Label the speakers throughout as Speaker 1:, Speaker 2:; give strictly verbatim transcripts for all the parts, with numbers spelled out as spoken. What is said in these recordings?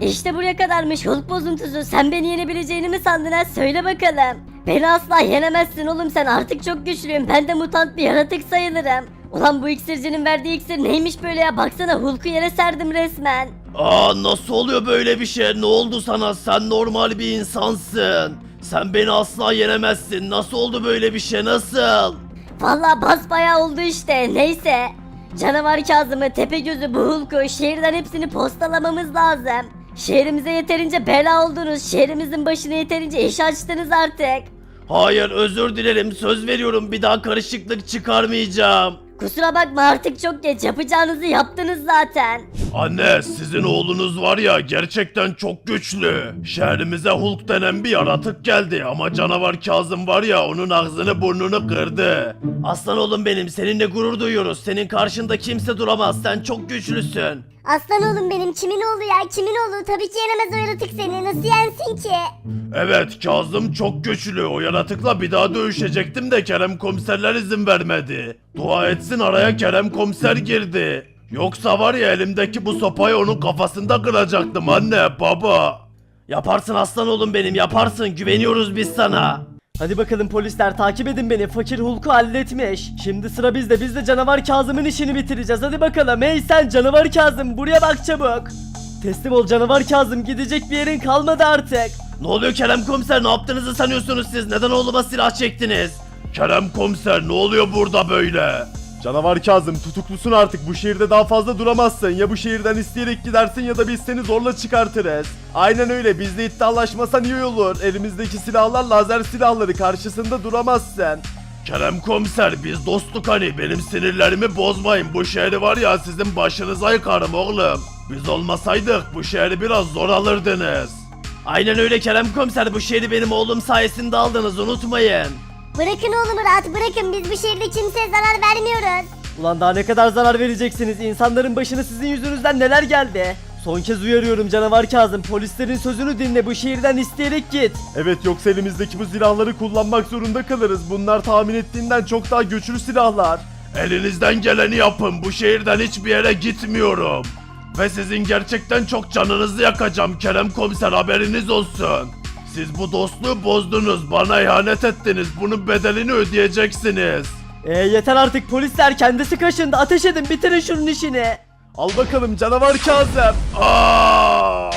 Speaker 1: İşte buraya kadarmış Hulk bozuntusu. Sen beni yenebileceğini mi sandın ha? Söyle bakalım. Beni asla yenemezsin oğlum, sen artık çok güçlüyüm. Ben de mutant bir yaratık sayılırım. Ulan bu iksircinin verdiği iksir neymiş böyle ya? Baksana Hulk'u yere serdim resmen.
Speaker 2: Aa, nasıl oluyor böyle bir şey? Ne oldu sana? Sen normal bir insansın. Sen beni asla yenemezsin. Nasıl oldu böyle bir şey? Nasıl?
Speaker 1: Vallahi basbayağı oldu işte. Neyse. Canavar Kazım'ı, Tepegöz'ü, bu Hulk'u, şehirden hepsini postalamamız lazım. Şehrimize yeterince bela oldunuz. Şehrimizin başına yeterince iş açtınız artık.
Speaker 2: Hayır, özür dilerim. Söz veriyorum, bir daha karışıklık çıkarmayacağım.
Speaker 1: Kusura bakma, artık çok geç. Yapacağınızı yaptınız zaten.
Speaker 2: Anne, sizin oğlunuz var ya, gerçekten çok güçlü. Şehrimize Hulk denen bir yaratık geldi ama canavar Kazım var ya, onun ağzını burnunu kırdı. Aslan oğlum benim, seninle gurur duyuyoruz. Senin karşında kimse duramaz. Sen çok güçlüsün.
Speaker 3: Aslan oğlum benim, kimin oğlu ya, kimin oğlu? Tabii ki yenemez o yaratık seni, nasıl yensin ki?
Speaker 2: Evet, Kazım çok güçlü. O yaratıkla bir daha dövüşecektim de Kerem komiserler izin vermedi. Dua etsin araya Kerem komiser girdi. Yoksa var ya, elimdeki bu sopayı onun kafasında kıracaktım anne, baba. Yaparsın aslan oğlum benim, yaparsın. Güveniyoruz biz sana.
Speaker 4: Hadi bakalım polisler, takip edin beni. Fakir Hulk'u halletmiş. Şimdi sıra bizde. Biz de canavar Kazım'ın işini bitireceğiz. Hadi bakalım. Hey sen canavar Kazım, buraya bak çabuk. Teslim ol canavar Kazım. Gidecek bir yerin kalmadı artık.
Speaker 2: Ne oluyor Kerem komiser, ne yaptığınızı sanıyorsunuz siz? Neden oğluma silah çektiniz? Kerem komiser, ne oluyor burada böyle?
Speaker 5: Canavar Kazım, tutuklusun artık. Bu şehirde daha fazla duramazsın. Ya bu şehirden isteyerek gidersin ya da biz seni zorla çıkartırız. Aynen öyle, bizle iddialaşmasan iyi olur. Elimizdeki silahlar lazer silahları, karşısında duramazsın.
Speaker 2: Kerem komiser, biz dostluk hani, benim sinirlerimi bozmayın. Bu şehri var ya, sizin başınıza yıkarım oğlum. Biz olmasaydık bu şehri biraz zor alırdınız. Aynen öyle Kerem komiser, bu şehri benim oğlum sayesinde aldınız, unutmayın.
Speaker 3: Bırakın oğlumu rahat bırakın, biz bu şehirde kimseye zarar vermiyoruz.
Speaker 4: Ulan daha ne kadar zarar vereceksiniz? İnsanların başına sizin yüzünüzden neler geldi? Son kez uyarıyorum canavar Kazım. Polislerin sözünü dinle, bu şehirden isteyerek git.
Speaker 5: Evet, yoksa elimizdeki bu silahları kullanmak zorunda kalırız. Bunlar tahmin ettiğinden çok daha güçlü silahlar.
Speaker 2: Elinizden geleni yapın, bu şehirden hiçbir yere gitmiyorum. Ve sizin gerçekten çok canınızı yakacağım Kerem komiser, haberiniz olsun. Siz bu dostluğu bozdunuz, bana ihanet ettiniz, bunun bedelini ödeyeceksiniz.
Speaker 4: Eee yeter artık polisler, kendisi kaşındı. Ateş edin, bitirin şunun işini.
Speaker 5: Al bakalım canavar Kazım.
Speaker 2: Ah,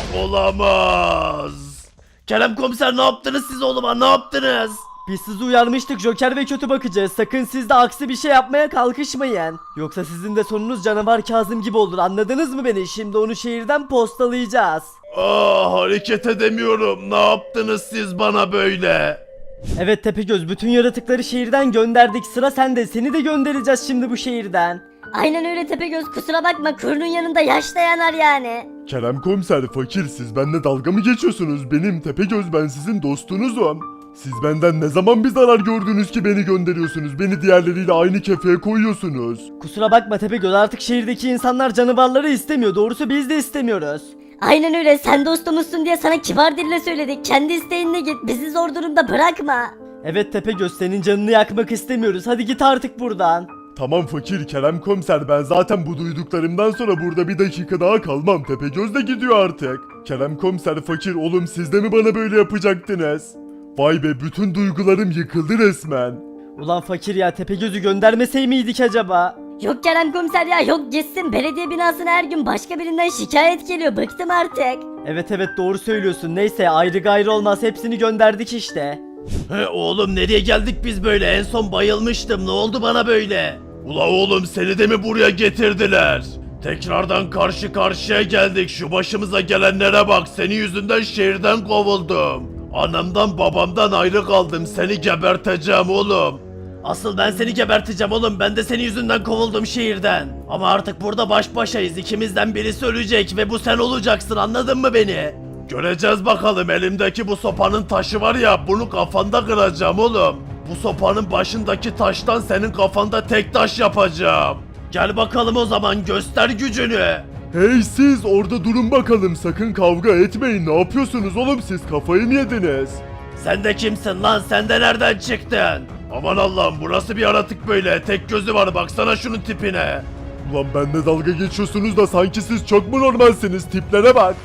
Speaker 2: olamaz. Kerem komiser, ne yaptınız siz oğluma, ne yaptınız?
Speaker 4: Biz sizi uyarmıştık, Joker ve kötü bakacağız. Sakın siz de aksi bir şey yapmaya kalkışmayın. Yoksa sizin de sonunuz canavar Kazım gibi olur, anladınız mı beni? Şimdi onu şehirden postalayacağız.
Speaker 2: Ah, hareket edemiyorum, ne yaptınız siz bana böyle?
Speaker 4: Evet Tepegöz, bütün yaratıkları şehirden gönderdik. Sıra sende, seni de göndereceğiz şimdi bu şehirden.
Speaker 1: Aynen öyle Tepegöz, kusura bakma, kurunun yanında yaş da yanar yani.
Speaker 5: Kerem komiser, fakir, siz benimle dalga mı geçiyorsunuz? Benim Tepegöz, ben sizin dostunuzum. Siz benden ne zaman bir zarar gördünüz ki beni gönderiyorsunuz? Beni diğerleriyle aynı kefeye koyuyorsunuz.
Speaker 4: Kusura bakma Tepegöz, artık şehirdeki insanlar canavarları istemiyor. Doğrusu biz de istemiyoruz.
Speaker 1: Aynen öyle, sen dostumuzsun diye sana kibar dille söyledik. Kendi isteğinle git, bizi zor durumda bırakma.
Speaker 4: Evet Tepegöz, senin canını yakmak istemiyoruz. Hadi git artık buradan.
Speaker 5: Tamam fakir, Kerem komiser, ben zaten bu duyduklarımdan sonra burada bir dakika daha kalmam. Tepegöz de gidiyor artık. Kerem komiser, fakir, oğlum siz de mi bana böyle yapacaktınız? Vay be, bütün duygularım yıkıldı resmen.
Speaker 4: Ulan fakir ya, Tepegöz'ü göndermesey miydik acaba?
Speaker 1: Yok Kerem komiser ya, yok gitsin. Belediye binasına her gün başka birinden şikayet geliyor, bıktım artık.
Speaker 4: Evet evet, doğru söylüyorsun. Neyse, ayrı gayrı olmaz, hepsini gönderdik işte.
Speaker 2: He oğlum, nereye geldik biz böyle? En son bayılmıştım, ne oldu bana böyle? Ula oğlum, seni de mi buraya getirdiler? Tekrardan karşı karşıya geldik, şu başımıza gelenlere bak, senin yüzünden şehirden kovuldum. Anamdan babamdan ayrı kaldım, seni geberteceğim oğlum. Asıl ben seni geberteceğim oğlum, ben de senin yüzünden kovuldum şehirden. Ama artık burada baş başayız, ikimizden birisi ölecek ve bu sen olacaksın, anladın mı beni? Göreceğiz bakalım, elimdeki bu sopanın taşı var ya, bunu kafanda kıracağım oğlum. Bu sopanın başındaki taştan senin kafanda tek taş yapacağım. Gel bakalım o zaman, göster gücünü.
Speaker 5: Hey siz orada durun bakalım, sakın kavga etmeyin. Ne yapıyorsunuz oğlum, siz kafayı mı yediniz?
Speaker 2: Sen de kimsin lan, sen de nereden çıktın? Aman Allah'ım, burası bir yaratık böyle, tek gözü var, baksana şunun tipine.
Speaker 5: Ulan benimle dalga geçiyorsunuz da sanki siz çok mu normalsiniz, tiplere bak.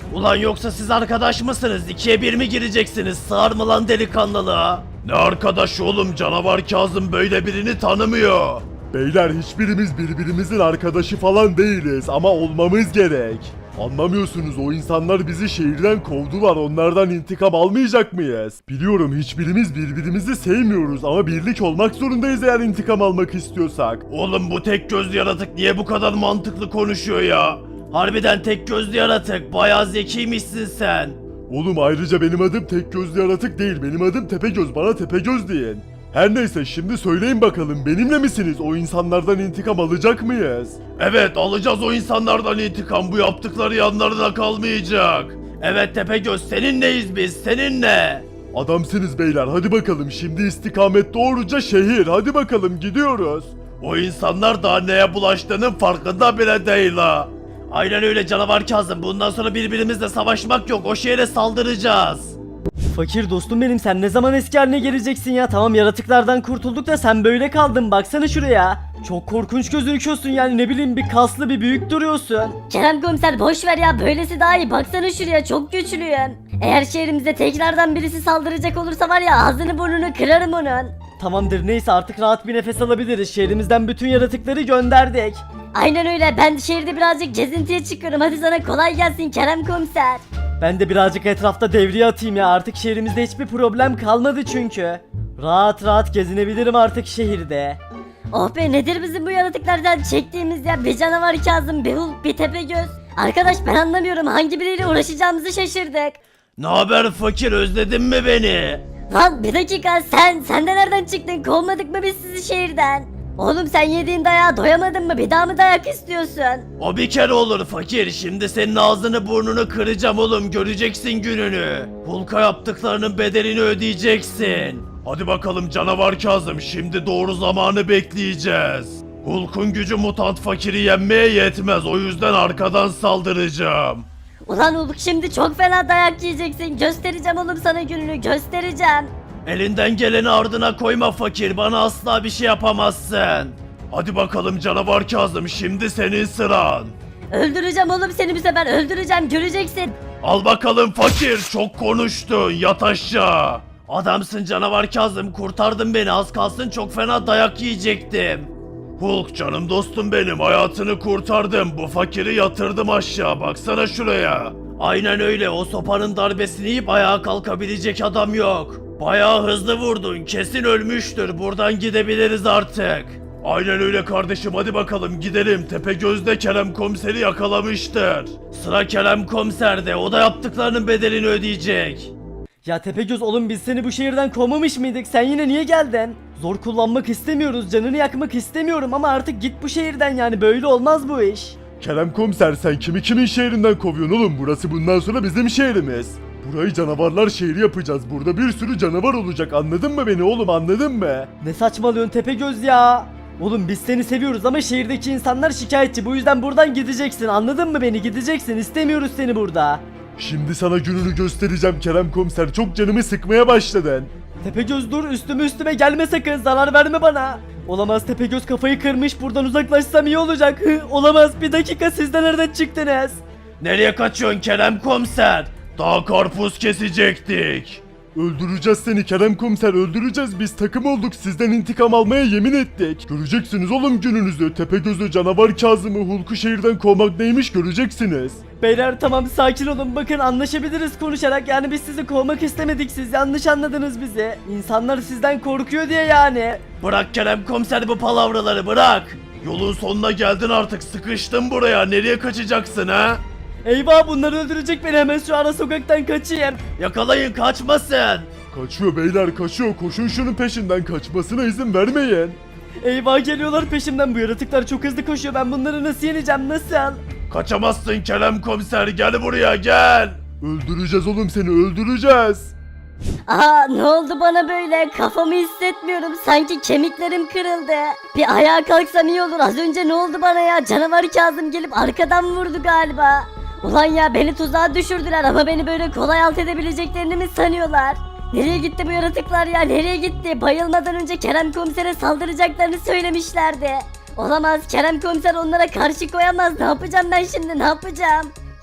Speaker 2: Ulan yoksa siz arkadaş mısınız? İkiye bir mi gireceksiniz? Sığar mı lan delikanlılığa? Ne arkadaş oğlum, canavar Kazım böyle birini tanımıyor.
Speaker 5: Beyler hiçbirimiz birbirimizin arkadaşı falan değiliz ama olmamız gerek. Anlamıyorsunuz, o insanlar bizi şehirden kovdular, onlardan intikam almayacak mıyız? Biliyorum hiçbirimiz birbirimizi sevmiyoruz ama birlik olmak zorundayız eğer intikam almak istiyorsak.
Speaker 2: Oğlum bu tek gözlü yaratık niye bu kadar mantıklı konuşuyor ya? Harbiden tek gözlü yaratık, bayağı zekiymişsin sen.
Speaker 5: Oğlum ayrıca benim adım tek gözlü yaratık değil, benim adım Tepegöz, bana Tepegöz deyin. Her neyse şimdi söyleyin bakalım, benimle misiniz? O insanlardan intikam alacak mıyız?
Speaker 2: Evet, alacağız o insanlardan intikam, bu yaptıkları yanlarına kalmayacak. Evet Tepegöz, seninleyiz biz, seninle.
Speaker 5: Adamsınız beyler, hadi bakalım şimdi istikamet doğruca şehir, hadi bakalım gidiyoruz.
Speaker 2: O insanlar daha neye bulaştığının farkında bile değil ha. Aynen öyle canavar Kazım, bundan sonra birbirimizle savaşmak yok, o şehre saldıracağız.
Speaker 4: Fakir dostum benim, sen ne zaman eski haline geleceksin ya? Tamam yaratıklardan kurtulduk da sen böyle kaldın, baksana şuraya. Çok korkunç gözüküyorsun yani, ne bileyim bir kaslı bir büyük duruyorsun.
Speaker 1: Kerem komiser boş ver ya, böylesi daha iyi, baksana şuraya, çok güçlüyüm. Eğer şehrimize tekrardan birisi saldıracak olursa var ya, ağzını burnunu kırarım onun.
Speaker 4: Tamamdır neyse, artık rahat bir nefes alabiliriz, şehrimizden bütün yaratıkları gönderdik.
Speaker 1: Aynen öyle, ben şehirde birazcık gezintiye çıkıyorum, hadi sana kolay gelsin Kerem komiser.
Speaker 4: Ben de birazcık etrafta devriye atayım ya, artık şehrimizde hiçbir problem kalmadı çünkü. Rahat rahat gezinebilirim artık şehirde.
Speaker 1: Oh be, nedir bizim bu yaratıklardan çektiğimiz ya, bir canavar Kazım, bir Hulk, bir Tepegöz. Arkadaş ben anlamıyorum, hangi biriyle uğraşacağımızı şaşırdık.
Speaker 2: Ne haber fakir, özledin mi beni?
Speaker 1: Lan bir dakika, sen, sen de nereden çıktın, kovmadık mı biz sizi şehirden? Oğlum sen yediğin dayağa doyamadın mı, bir daha mı dayak istiyorsun?
Speaker 2: O bir kere olur fakir, şimdi senin ağzını burnunu kıracağım oğlum, göreceksin gününü. Hulk'a yaptıklarının bedelini ödeyeceksin. Hadi bakalım canavar Kazım, şimdi doğru zamanı bekleyeceğiz. Hulk'un gücü mutant fakiri yenmeye yetmez, o yüzden arkadan saldıracağım.
Speaker 1: Ulan Hulk, şimdi çok fena dayak yiyeceksin, göstereceğim oğlum sana gününü, göstereceğim.
Speaker 2: Elinden geleni ardına koyma fakir, bana asla bir şey yapamazsın. Hadi bakalım canavar Kazım, şimdi senin sıran.
Speaker 1: Öldüreceğim oğlum seni, bu sefer öldüreceğim, göreceksin.
Speaker 2: Al bakalım fakir, çok konuştun, yat aşağı. Adamsın canavar Kazım, kurtardın beni, az kalsın çok fena dayak yiyecektim. Hulk canım dostum benim, hayatını kurtardım, bu fakiri yatırdım aşağı, baksana şuraya. Aynen öyle, o sopanın darbesini yiyip ayağa kalkabilecek adam yok. Bayağı hızlı vurdun, kesin ölmüştür, buradan gidebiliriz artık. Aynen öyle kardeşim, hadi bakalım gidelim. Tepegöz'de Kerem komiseri yakalamıştır. Sıra Kerem komiserde, o da yaptıklarının bedelini ödeyecek.
Speaker 4: Ya Tepegöz oğlum, biz seni bu şehirden kovmamış mıydık? Sen yine niye geldin? Zor kullanmak istemiyoruz, canını yakmak istemiyorum ama artık git bu şehirden, yani böyle olmaz bu iş.
Speaker 5: Kerem komiser, sen kimi kimin şehrinden kovuyorsun oğlum? Burası bundan sonra bizim şehrimiz. Burayı canavarlar şehri yapacağız. Burada bir sürü canavar olacak, anladın mı beni oğlum, anladın mı?
Speaker 4: Ne saçmalıyorsun Tepegöz ya? Oğlum biz seni seviyoruz ama şehirdeki insanlar şikayetçi, bu yüzden buradan gideceksin, anladın mı beni, gideceksin, istemiyoruz seni burada.
Speaker 5: Şimdi sana gününü göstereceğim Kerem komiser, çok canımı sıkmaya başladın.
Speaker 4: Tepegöz dur, üstüme üstüme gelme sakın, zarar verme bana. Olamaz, Tepegöz kafayı kırmış, buradan uzaklaşsam iyi olacak. Hı, olamaz, bir dakika, siz de nereden çıktınız?
Speaker 2: Nereye kaçıyorsun Kerem komiser? Daha karpuz kesecektik.
Speaker 5: Öldüreceğiz seni Kerem komiser, öldüreceğiz, biz takım olduk, sizden intikam almaya yemin ettik. Göreceksiniz oğlum gününüzü, Tepegöz'ü canavar Kazım'ı Hulk'u şehirden kovmak neymiş göreceksiniz.
Speaker 4: Beyler tamam, sakin olun, bakın anlaşabiliriz konuşarak, yani biz sizi kovmak istemedik, siz yanlış anladınız bizi. İnsanlar sizden korkuyor diye yani.
Speaker 2: Bırak Kerem komiser bu palavraları, bırak. Yolun sonuna geldin artık, sıkıştın buraya, nereye kaçacaksın ha?
Speaker 4: Eyvah, bunlar öldürecek beni, hemen şu ara sokaktan kaçayım.
Speaker 2: Yakalayın, kaçmasın.
Speaker 5: Kaçıyor beyler, kaçıyor, koşun şunun peşinden, kaçmasına izin vermeyin.
Speaker 4: Eyvah, geliyorlar peşimden, bu yaratıklar çok hızlı koşuyor, ben bunları nasıl yeneceğim, nasıl?
Speaker 2: Kaçamazsın Kerem komiser, gel buraya gel.
Speaker 5: Öldüreceğiz oğlum seni, öldüreceğiz.
Speaker 1: Aa, ne oldu bana böyle, kafamı hissetmiyorum, sanki kemiklerim kırıldı. Bir ayağa kalksam iyi olur, az önce ne oldu bana ya, canavar Kazım gelip arkadan vurdu galiba. Ulan ya, beni tuzağa düşürdüler ama beni böyle kolay alt edebileceklerini mi sanıyorlar? Nereye gitti bu yaratıklar ya, nereye gitti? Bayılmadan önce Kerem komisere saldıracaklarını söylemişlerdi. Olamaz, Kerem komiser onlara karşı koyamaz, ne yapacağım ben şimdi, ne yapacağım?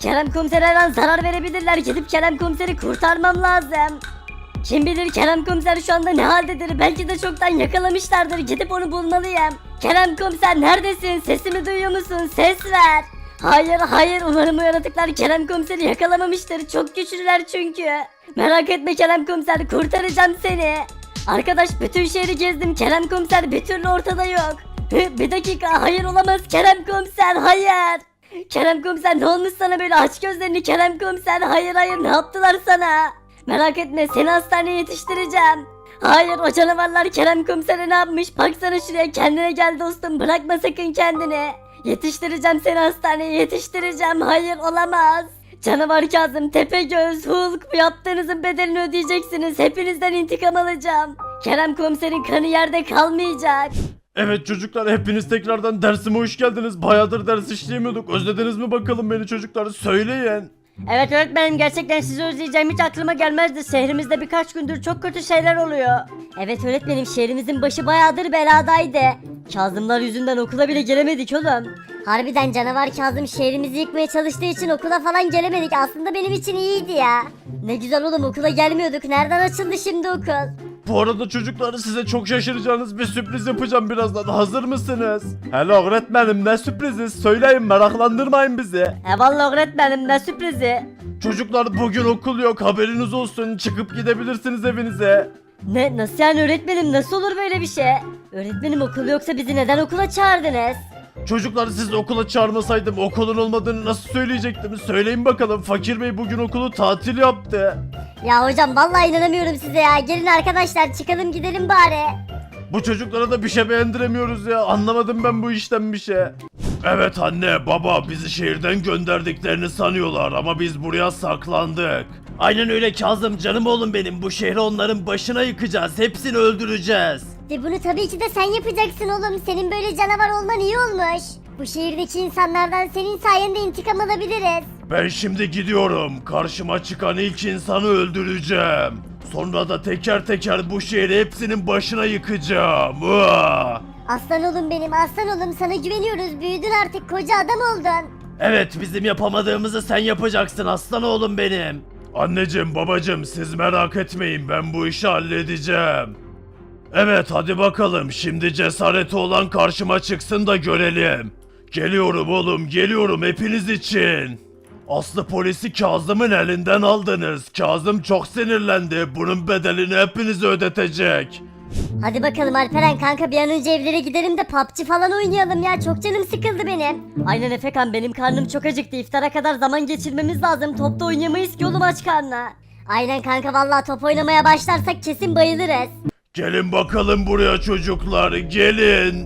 Speaker 1: Kerem komisere her an zarar verebilirler. Gidip Kerem komiseri kurtarmam lazım. Kim bilir Kerem komiser şu anda ne haldedir? Belki de çoktan yakalamışlardır. Gidip onu bulmalıyım. Kerem komiser neredesin? Sesimi duyuyor musun? Ses ver. Hayır hayır umarım o yaratıklar Kerem komiseri yakalamamıştır. Çok güçlüler çünkü. Merak etme Kerem komiser, kurtaracağım seni. Arkadaş bütün şehri gezdim. Kerem komiser bir türlü ortada yok. Hı, bir dakika, hayır olamaz Kerem komiser, hayır. Kerem komiser ne olmuş sana böyle, aç gözlerini Kerem komiser, hayır hayır ne yaptılar sana? Merak etme seni hastaneye yetiştireceğim. Hayır o canavarlar Kerem komisere ne yapmış, baksana şuraya, kendine gel dostum, bırakma sakın kendini. Yetiştireceğim seni hastaneye, yetiştireceğim, hayır olamaz. Canavar Kazım, Tepegöz, Hulk, bu yaptığınızın bedelini ödeyeceksiniz, hepinizden intikam alacağım. Kerem komiserin kanı yerde kalmayacak.
Speaker 2: Evet çocuklar, hepiniz tekrardan dersime hoş geldiniz. Bayağıdır ders işleyemiyorduk. Özlediniz mi bakalım beni çocuklar? Söyleyin.
Speaker 1: Evet öğretmenim, gerçekten sizi özleyeceğim hiç aklıma gelmezdi. Şehrimizde birkaç gündür çok kötü şeyler oluyor. Evet öğretmenim, şehrimizin başı bayağıdır beladaydı. Kazımlar yüzünden okula bile gelemedik oğlum.
Speaker 3: Harbiden canavar Kazım şehrimizi yıkmaya çalıştığı için okula falan gelemedik. Aslında benim için iyiydi ya. Ne güzel oğlum, okula gelmiyorduk. Nereden açıldı şimdi okul?
Speaker 2: Bu arada çocuklar, size çok şaşıracağınız bir sürpriz yapacağım birazdan. Hazır mısınız? Hello öğretmenim, ne sürprizi? Söyleyin, meraklandırmayın bizi.
Speaker 1: E vallahi öğretmenim, ne sürprizi?
Speaker 2: Çocuklar bugün okul yok, haberiniz olsun. Çıkıp gidebilirsiniz evinize.
Speaker 1: Ne, nasıl yani öğretmenim, nasıl olur böyle bir şey? Öğretmenim okul yoksa bizi neden okula çağırdınız?
Speaker 2: Çocuklar, siz okula çağırmasaydım okulun olmadığını nasıl söyleyecektim? Söyleyin bakalım, Fakir Bey bugün okulu tatil yaptı.
Speaker 3: Ya hocam vallahi inanamıyorum size ya. Gelin arkadaşlar çıkalım gidelim bari.
Speaker 2: Bu çocuklara da bir şey beğendiremiyoruz ya. Anlamadım ben bu işten bir şey. Evet anne, baba, bizi şehirden gönderdiklerini sanıyorlar ama biz buraya saklandık. Aynen öyle Kazım, canım oğlum benim. Bu şehri onların başına yıkacağız. Hepsini öldüreceğiz.
Speaker 3: De bunu tabii ki de sen yapacaksın oğlum. Senin böyle canavar olman iyi olmuş. Bu şehirdeki insanlardan senin sayende intikam alabiliriz.
Speaker 2: Ben şimdi gidiyorum. Karşıma çıkan ilk insanı öldüreceğim. Sonra da teker teker bu şehri hepsinin başına yıkacağım. Uaa!
Speaker 3: Aslan oğlum benim, aslan oğlum, sana güveniyoruz. Büyüdün artık, koca adam oldun.
Speaker 2: Evet, bizim yapamadığımızı sen yapacaksın aslan oğlum benim. Anneciğim, babacığım, siz merak etmeyin, ben bu işi halledeceğim. Evet, hadi bakalım, şimdi cesareti olan karşıma çıksın da görelim. Geliyorum oğlum, geliyorum hepiniz için. Aslı polisi Kazım'ın elinden aldınız. Kazım çok sinirlendi. Bunun bedelini hepiniz ödetecek.
Speaker 3: Hadi bakalım Alperen kanka, bir an önce evlere gidelim de P U B G falan oynayalım ya. Çok canım sıkıldı benim.
Speaker 1: Aynen Efekan, benim karnım çok acıktı. İftara kadar zaman geçirmemiz lazım. Topta oynayamayız ki oğlum aç karnına.
Speaker 3: Aynen kanka, vallahi top oynamaya başlarsak kesin bayılırız.
Speaker 2: Gelin bakalım buraya çocuklar, gelin.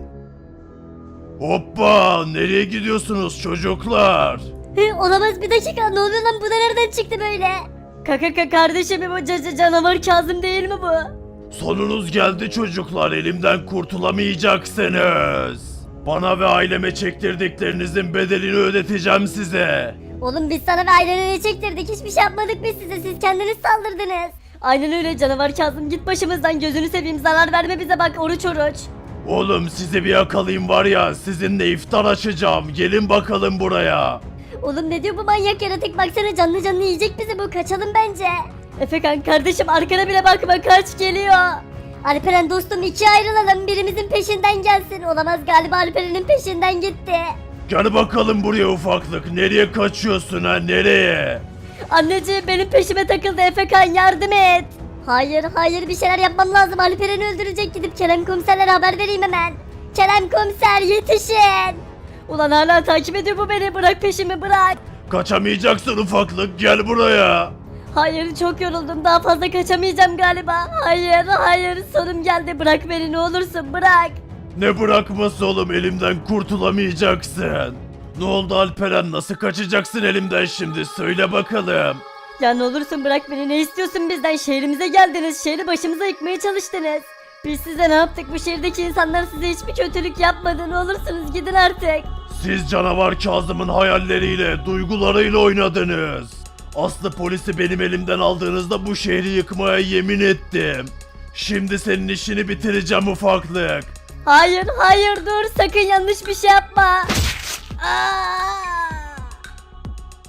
Speaker 2: Hoppa, nereye gidiyorsunuz çocuklar?
Speaker 3: Hı, olamaz, bir dakika, ne oluyor lan, bu da nereden çıktı böyle?
Speaker 1: Kaka kaka kardeşim, bu caca canavar Kazım değil mi bu?
Speaker 2: Sonunuz geldi çocuklar, elimden kurtulamayacaksınız. Bana ve aileme çektirdiklerinizin bedelini ödeteceğim size.
Speaker 3: Oğlum biz sana ve ailene ne çektirdik, hiçbir şey yapmadık biz size, siz kendiniz saldırdınız.
Speaker 1: Aynen öyle canavar Kazım, git başımızdan, gözünü seveyim, zarar verme bize, bak oruç oruç.
Speaker 2: Oğlum sizi bir yakalayayım var ya, sizinle iftar açacağım, gelin bakalım buraya.
Speaker 3: Oğlum ne diyor bu manyak yaratık, baksana canlı canlı yiyecek bizi bu, kaçalım bence.
Speaker 1: Efekan kardeşim, arkana bile bakma, kaç, geliyor.
Speaker 3: Alperen dostum, ikiye ayrılalım, birimizin peşinden gelsin. Olamaz, galiba Alperen'in peşinden gitti.
Speaker 2: Gel bakalım buraya ufaklık, nereye kaçıyorsun ha, nereye?
Speaker 1: Anneciğim benim peşime takıldı, Efekan yardım et.
Speaker 3: Hayır hayır, bir şeyler yapmam lazım, Alperen'i öldürecek, gidip Kerem komiserlere haber vereyim hemen. Kerem komiser yetişin.
Speaker 1: Ulan hala takip ediyor bu beni, bırak peşimi bırak.
Speaker 2: Kaçamayacaksın ufaklık, gel buraya.
Speaker 1: Hayır çok yoruldum, daha fazla kaçamayacağım galiba. Hayır hayır, sonum geldi, bırak beni ne olursun, bırak.
Speaker 2: Ne bırakması oğlum, elimden kurtulamayacaksın. Ne oldu Alperen, nasıl kaçacaksın elimden şimdi, söyle bakalım.
Speaker 1: Ya ne olursun bırak beni, ne istiyorsun bizden? Şehrimize geldiniz, şehri başımıza yıkmaya çalıştınız. Biz size ne yaptık? Bu şehirdeki insanlar size hiçbir kötülük yapmadı, ne olursunuz gidin artık.
Speaker 2: Siz canavar Kazım'ın hayalleriyle, duygularıyla oynadınız. Aslı polisi benim elimden aldığınızda bu şehri yıkmaya yemin ettim. Şimdi senin işini bitireceğim ufaklık.
Speaker 1: Hayır hayır, dur sakın, yanlış bir şey yapma. Aa!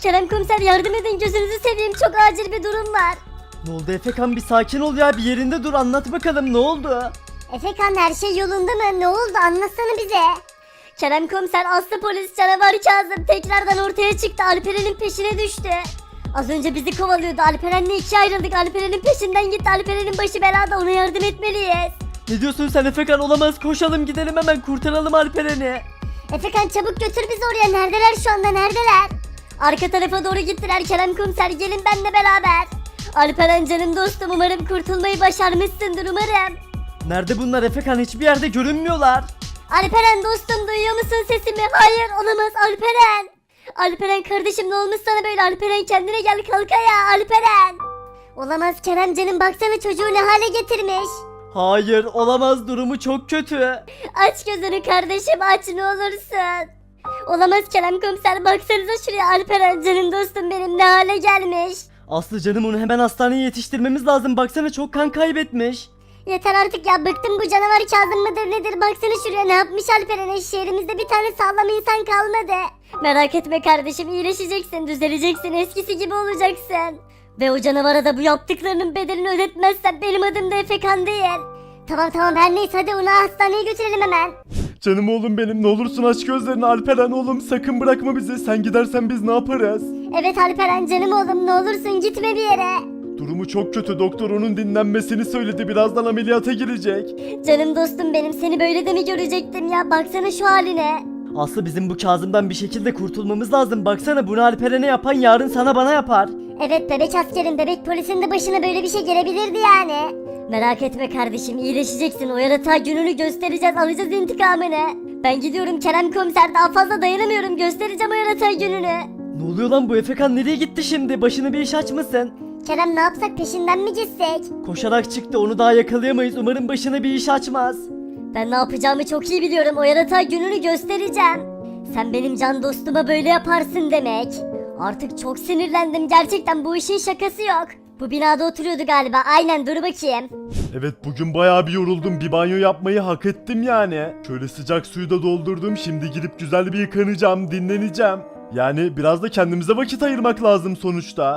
Speaker 3: Kerem komiser yardım edin, gözünüzü seveyim, çok acil bir durum var.
Speaker 4: Ne oldu Efekan, bir sakin ol ya, bir yerinde dur, anlat bakalım ne oldu?
Speaker 3: Efekan, her şey yolunda mı? Ne oldu, anlatsana bize. Kerem komiser, Aslı polis, canavar Kazım tekrardan ortaya çıktı, Alperen'in peşine düştü. Az önce bizi kovalıyordu, Alperen'le ikiye ayrıldık, Alperen'in peşinden gitti, Alperen'in başı belada, ona yardım etmeliyiz.
Speaker 4: Ne diyorsun sen Efekan, olamaz, koşalım gidelim hemen, kurtaralım Alperen'i.
Speaker 3: Efekan, çabuk götür bizi oraya, neredeler şu anda, neredeler? Arka tarafa doğru gittiler Kerem komiser, gelin benimle beraber. Alperen canım dostum, umarım kurtulmayı başarmışsındır, umarım.
Speaker 4: Nerede bunlar Efekan, hiçbir yerde görünmüyorlar.
Speaker 3: Alperen dostum, duyuyor musun sesimi? Hayır, olamaz Alperen. Alperen kardeşim, ne olmuş sana böyle? Alperen kendine gel, kalk ayağa Alperen. Olamaz Kerem canım, baksana çocuğu ne hale getirmiş.
Speaker 4: Hayır, olamaz, durumu çok kötü.
Speaker 3: Aç gözünü kardeşim, aç ne olursun. Olamaz Kerem komiser, baksanıza şuraya, Alperen canım dostum benim ne hale gelmiş.
Speaker 4: Aslı canım, onu hemen hastaneye yetiştirmemiz lazım, baksana çok kan kaybetmiş.
Speaker 3: Yeter artık ya, bıktım, bu canavar Kazım mıdır nedir, baksana şuraya ne yapmış Alperen'e, şehrimizde bir tane sağlam insan kalmadı. Merak etme kardeşim, iyileşeceksin, düzeleceksin, eskisi gibi olacaksın. Ve o canavara da bu yaptıklarının bedelini ödetmezsen benim adım da Efekan değil. Tamam tamam, her neyse, hadi onu hastaneye götürelim hemen.
Speaker 5: Canım oğlum benim, ne olursun aç gözlerini Alperen oğlum, sakın bırakma bizi, sen gidersen biz ne yaparız?
Speaker 3: Evet Alperen canım oğlum, ne olursun gitme bir yere.
Speaker 5: Durumu çok kötü, doktor onun dinlenmesini söyledi, birazdan ameliyata girecek.
Speaker 3: Canım dostum benim, seni böyle de mi görecektim ya, baksana şu haline.
Speaker 4: Aslı, bizim bu Kazım'dan bir şekilde kurtulmamız lazım, baksana bunu Alperen'e yapan yarın sana bana yapar.
Speaker 3: Evet, bebek askerin, bebek polisin de başına böyle bir şey gelebilirdi yani. Merak etme kardeşim, iyileşeceksin, o yaratığa gününü göstereceğiz, alacağız intikamını. Ben gidiyorum Kerem komiser, daha fazla dayanamıyorum, göstereceğim o yaratığa gününü.
Speaker 4: Ne oluyor lan, bu Efekan nereye gitti şimdi, başına bir iş açmasın?
Speaker 3: Kerem, ne yapsak, peşinden mi gitsek?
Speaker 4: Koşarak çıktı, onu daha yakalayamayız, umarım başına bir iş açmaz.
Speaker 3: Ben ne yapacağımı çok iyi biliyorum, o yaratığa gününü göstereceğim. Sen benim can dostuma böyle yaparsın demek. Artık çok sinirlendim, gerçekten bu işin şakası yok. Bu binada oturuyordu galiba, aynen, dur bakayım.
Speaker 5: Evet, bugün bayağı bir yoruldum, bir banyo yapmayı hak ettim yani. Şöyle sıcak suyu da doldurdum, şimdi gidip güzel bir yıkanacağım, dinleneceğim. Yani biraz da kendimize vakit ayırmak lazım sonuçta.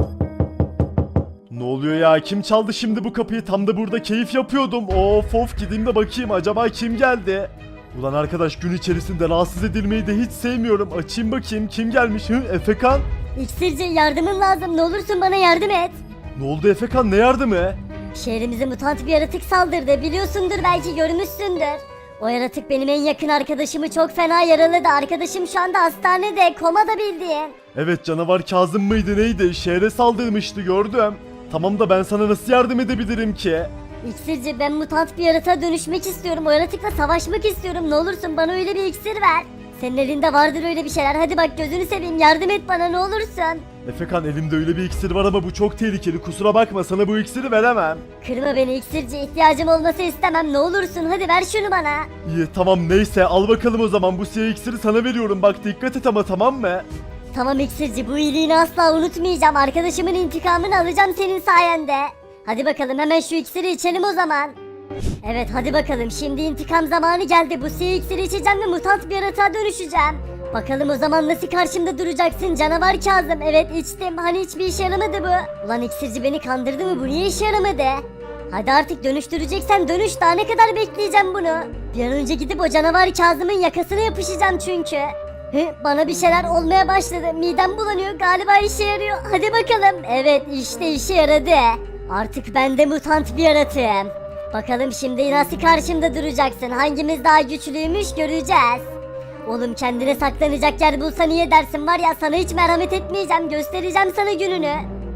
Speaker 5: Ne oluyor ya, kim çaldı şimdi bu kapıyı, tam da burada keyif yapıyordum. Of of, gideyim de bakayım acaba kim geldi. Ulan arkadaş, gün içerisinde rahatsız edilmeyi de hiç sevmiyorum, açayım bakayım kim gelmiş. Hı, Efekan?
Speaker 3: İksirci, yardımın lazım, ne olursun bana yardım et.
Speaker 5: Ne oldu Efekan, ne yardımı?
Speaker 3: Şehrimize mutant bir yaratık saldırdı, biliyorsundur, belki görmüşsündür. O yaratık benim en yakın arkadaşımı çok fena yaraladı, arkadaşım şu anda hastanede, komada bildiğin.
Speaker 5: Evet, canavar Kazım mıydı neydi, şehre saldırmıştı, gördüm. Tamam da ben sana nasıl yardım edebilirim ki?
Speaker 3: İksirci, ben mutant bir yaratığa dönüşmek istiyorum, o yaratıkla savaşmak istiyorum, ne olursun bana öyle bir iksir ver. Senin elinde vardır öyle bir şeyler, hadi bak gözünü seveyim, yardım et bana ne olursun.
Speaker 5: Efekan, elimde öyle bir iksir var ama bu çok tehlikeli, kusura bakma, sana bu iksiri veremem.
Speaker 3: Kırma beni iksirci, ihtiyacım olması istemem, ne olursun hadi ver şunu bana.
Speaker 5: İyi tamam, neyse al bakalım o zaman, bu siyah iksiri sana veriyorum, bak dikkat et ama, tamam mı?
Speaker 3: Tamam iksirci, bu iyiliğini asla unutmayacağım, arkadaşımın intikamını alacağım senin sayende. Hadi bakalım, hemen şu iksiri içelim o zaman. Evet hadi bakalım, şimdi intikam zamanı geldi, bu siyah iksiri içeceğim ve mutant bir yaratığa dönüşeceğim. Bakalım o zaman nasıl karşımda duracaksın canavar Kazım. Evet içtim, hani hiçbir işe yaramadı bu. Ulan iksirci beni kandırdı mı, bu niye işe yaramadı? Hadi artık dönüştüreceksen dönüş, daha ne kadar bekleyeceğim bunu? Bir an önce gidip o canavar Kazım'ın yakasına yapışacağım çünkü. Hı, bana bir şeyler olmaya başladı, midem bulanıyor, galiba işe yarıyor, hadi bakalım. Evet işte işe yaradı. Artık ben de mutant bir yaratığım. Bakalım şimdi nasıl karşımda duracaksın, hangimiz daha güçlüymüş göreceğiz. Oğlum kendine saklanacak yer bulsan iyi dersin, var ya sana hiç merhamet etmeyeceğim, göstereceğim sana gününü.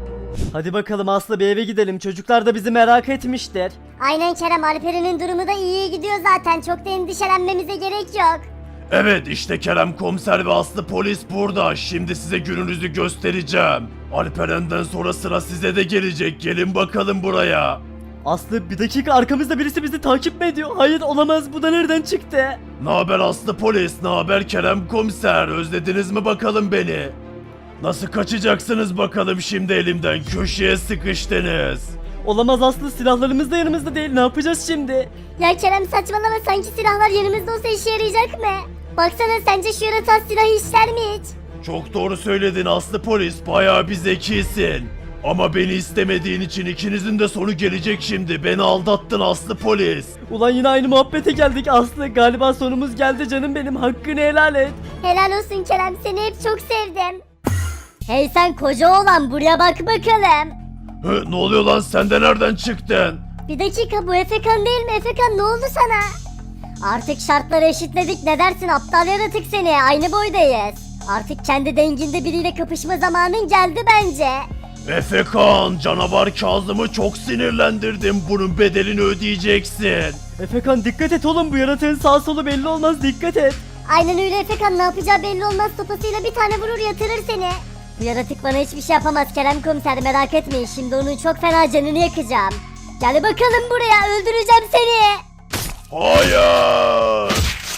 Speaker 4: Hadi bakalım Aslı, bir eve gidelim, çocuklar da bizi merak etmiştir.
Speaker 3: Aynen Kerem, Alperen'in durumu da iyiye gidiyor zaten, çok da endişelenmemize gerek yok.
Speaker 2: Evet, işte Kerem komiser ve Aslı polis burada. Şimdi size gününüzü göstereceğim. Alperen'den sonra sıra size de gelecek. Gelin bakalım buraya.
Speaker 4: Aslı, bir dakika, arkamızda birisi bizi takip mi ediyor? Hayır olamaz, bu da nereden çıktı?
Speaker 2: Ne haber Aslı polis? Ne haber Kerem komiser? Özlediniz mi bakalım beni? Nasıl kaçacaksınız bakalım şimdi elimden? Köşeye sıkıştınız.
Speaker 4: Olamaz Aslı, silahlarımız da yanımızda değil, ne yapacağız şimdi?
Speaker 3: Ya Kerem saçmalama, sanki silahlar yanımızda olsa işe yarayacak mı? Baksana, sence şu yaratığa silah işler mi hiç?
Speaker 2: Çok doğru söyledin Aslı polis, bayağı bir zekisin. Ama beni istemediğin için ikinizin de sonu gelecek şimdi. Beni aldattın Aslı polis.
Speaker 4: Ulan yine aynı muhabbete geldik Aslı. Galiba sonumuz geldi canım benim. Hakkını helal et.
Speaker 3: Helal olsun Kerem, seni hep çok sevdim. Hey sen koca oğlan, buraya bak bakalım.
Speaker 2: Hı, ne oluyor lan, sen de nereden çıktın?
Speaker 3: Bir dakika, bu Efekan değil mi? Efekan ne oldu sana? Artık şartları eşitledik, ne dersin aptal yaratık seni, aynı boydayız. Artık kendi denginde biriyle kapışma zamanın geldi bence.
Speaker 2: Efekan, canavar Kazım'ı çok sinirlendirdim. Bunun bedelini ödeyeceksin.
Speaker 4: Efekan dikkat et oğlum, bu yaratığın sağ solu belli olmaz, dikkat et.
Speaker 3: Aynen öyle Efekan, ne yapacağı belli olmaz, sopasıyla bir tane vurur yatırır seni. Bu yaratık bana hiçbir şey yapamaz Kerem komiser, merak etmeyin, şimdi onun çok fena canını yakacağım. Gel bakalım buraya, öldüreceğim seni.
Speaker 2: Hayır.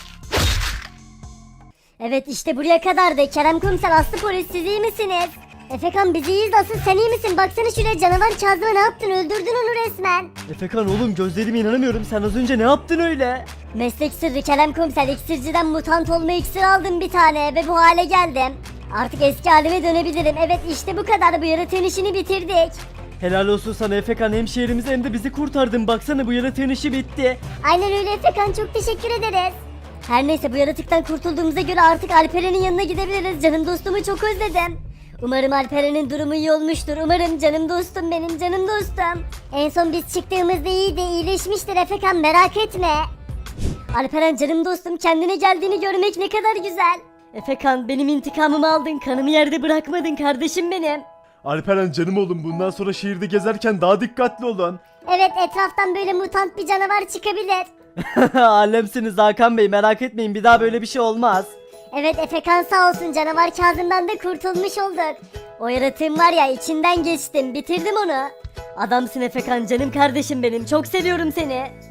Speaker 3: Evet işte buraya kadardı. Kerem komiser, Aslı polis, siz iyi misiniz? Efekan biz iyiyiz, asıl sen iyi misin? Baksana şuraya, canavar Kazım'a ne yaptın? Öldürdün onu resmen.
Speaker 4: Efekan oğlum, gözlerime inanamıyorum, sen az önce ne yaptın öyle?
Speaker 3: Meslek sırrı Kerem komiser, iksirciden mutant olma iksiri aldım bir tane ve bu hale geldim. Artık eski halime dönebilirim. Evet işte bu kadar, bu yaratığın işini bitirdik.
Speaker 4: Helal olsun sana Efekan, hem şehrimizi hem de bizi kurtardın, baksana bu yaratığın işi bitti.
Speaker 3: Aynen öyle Efekan, çok teşekkür ederiz. Her neyse, bu yaratıktan kurtulduğumuza göre artık Alperen'in yanına gidebiliriz. Canım dostumu çok özledim. Umarım Alperen'in durumu iyi olmuştur. Umarım canım dostum, benim canım dostum. En son biz çıktığımızda iyiydi, iyileşmiştir Efekan, merak etme. Alperen canım dostum, kendine geldiğini görmek ne kadar güzel.
Speaker 1: Efekan, benim intikamımı aldın, kanımı yerde bırakmadın kardeşim benim.
Speaker 5: Alperen canım oğlum, bundan sonra şehirde gezerken daha dikkatli olun.
Speaker 3: Evet, etraftan böyle mutant bir canavar çıkabilir.
Speaker 4: Alemsiniz Hakan Bey, merak etmeyin, bir daha böyle bir şey olmaz.
Speaker 3: Evet Efekan sağ olsun, canavar Kazım'dan da kurtulmuş olduk. O yaratığın var ya, içinden geçtim, bitirdim onu.
Speaker 1: Adamsın Efekan, canım kardeşim benim, çok seviyorum seni.